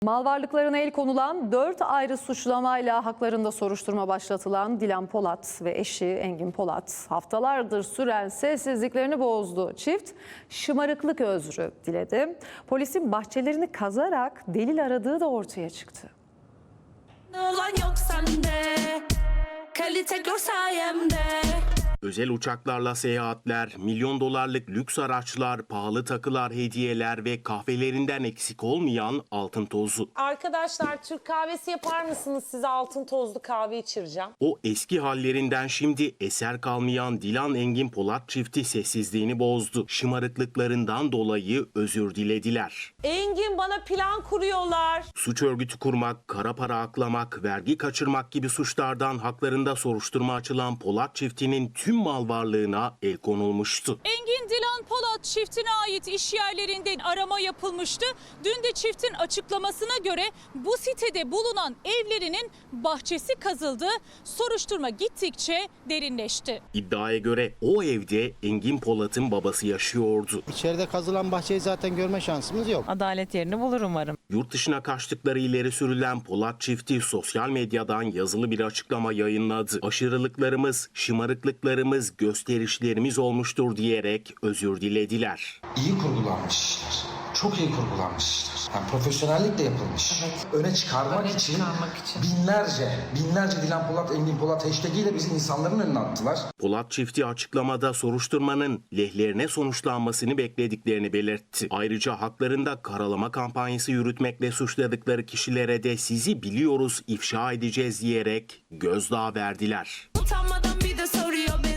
Mal varlıklarına el konulan 4 ayrı suçlamayla haklarında soruşturma başlatılan Dilan Polat ve eşi Engin Polat haftalardır süren sessizliklerini bozdu. Çift şımarıklık özrü diledi. Polisin bahçelerini kazarak delil aradığı da ortaya çıktı. Olan yok sende, kalite gör sayemde. Özel uçaklarla seyahatler, milyon dolarlık lüks araçlar, pahalı takılar, hediyeler ve kahvelerinden eksik olmayan altın tozu. Arkadaşlar Türk kahvesi yapar mısınız? Size altın tozlu kahve içireceğim. O eski hallerinden şimdi eser kalmayan Dilan Engin Polat çifti sessizliğini bozdu. Şımarıklıklarından dolayı özür dilediler. Engin, bana plan kuruyorlar. Suç örgütü kurmak, kara para aklamak, vergi kaçırmak gibi suçlardan haklarında soruşturma açılan Polat çiftinin tüm mal varlığına el konulmuştu. Engin Dilan Polat çiftine ait iş yerlerinde arama yapılmıştı. Dün de çiftin açıklamasına göre bu sitede bulunan evlerinin bahçesi kazıldı. Soruşturma gittikçe derinleşti. İddiaya göre o evde Engin Polat'ın babası yaşıyordu. İçeride kazılan bahçeyi zaten görme şansımız yok. Adalet yerini bulur umarım. Yurt dışına kaçtıkları ileri sürülen Polat çifti sosyal medyadan yazılı bir açıklama yayınladı. Aşırılıklarımız, şımarıklıklarımız, gösterişlerimiz olmuştur diyerek özür dilediler. İyi kurgulanmış işler. Çok iyi kurgulanmış işler. Yani profesyonellikle yapılmış. Öne çıkarmak için binlerce Dilan Polat, Engin Polat hashtag ile bizi insanların önüne attılar. Polat çifti açıklamada soruşturmanın lehlerine sonuçlanmasını beklediklerini belirtti. Ayrıca haklarında karalama kampanyası yürütmekle suçladıkları kişilere de sizi biliyoruz, ifşa edeceğiz diyerek gözdağı verdiler. Utanmadan bir de soruyor beni.